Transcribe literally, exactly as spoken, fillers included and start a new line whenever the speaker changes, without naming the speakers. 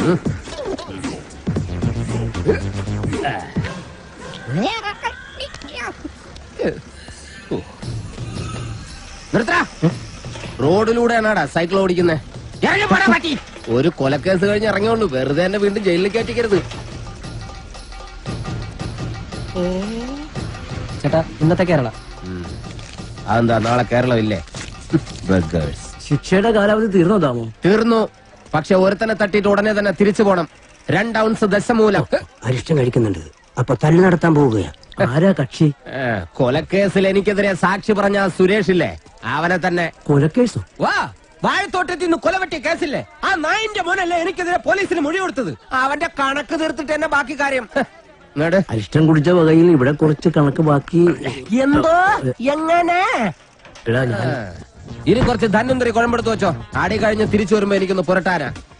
റോഡിലൂടെയാണാടാ cycle ഓടിക്കുന്നേ. ഒരു കൊലക്കേസ് കഴിഞ്ഞ് ഇറങ്ങിയുള്ളൂ, വെറുതെ എന്നെ വീണ്ടും ജയിലിൽ കയറ്റിക്കരുത്.
ചേട്ടാ ഇന്നത്തെ കേരള
അതെന്താ നാളെ കേരളം ഇല്ലേ?
ശിക്ഷയുടെ കാലാവധി തീർന്നോ താമോ?
തീർന്നു. പക്ഷെ ഒരുത്തനെ തട്ടിയിട്ട് ഉടനെ തന്നെ തിരിച്ചു പോണം. രണ്ട് ഔൺസ് ദശമൂലം.
അരിഷ്ടം കഴിക്കുന്നുണ്ട്. അപ്പൊ തല്ലു നടത്താൻ പോവുകയാ. ആരാ കക്ഷി?
കൊലക്കേസിൽ എനിക്കെതിരെ സാക്ഷി പറഞ്ഞ സുരേഷ് ഇല്ലേ, അവനെ തന്നെ.
കൊലക്കേസോ?
വാ, വാഴത്തോട്ടത്തിൽ നിന്ന് കൊലവെട്ടിയ കേസില്ലേ, ആ നായിന്റെ മോനല്ലേ എനിക്കെതിരെ പോലീസിന് മൊഴി കൊടുത്തത്. അവന്റെ കണക്ക് തീർത്തിട്ട് എന്നെ ബാക്കി കാര്യം.
അരിഷ്ടം കുടിച്ച വകയിൽ ഇവിടെ കുറച്ച് കണക്ക് ബാക്കി.
എന്തോ എങ്ങനെ?
എടാ ഞാൻ
ഇനി കുറച്ച് ധന്വന്തരി കുഴമ്പെടുത്ത് വെച്ചോ. ആടി കഴിഞ്ഞ് തിരിച്ചു വരുമ്പോ എനിക്കൊന്ന് പുരട്ടാനാ.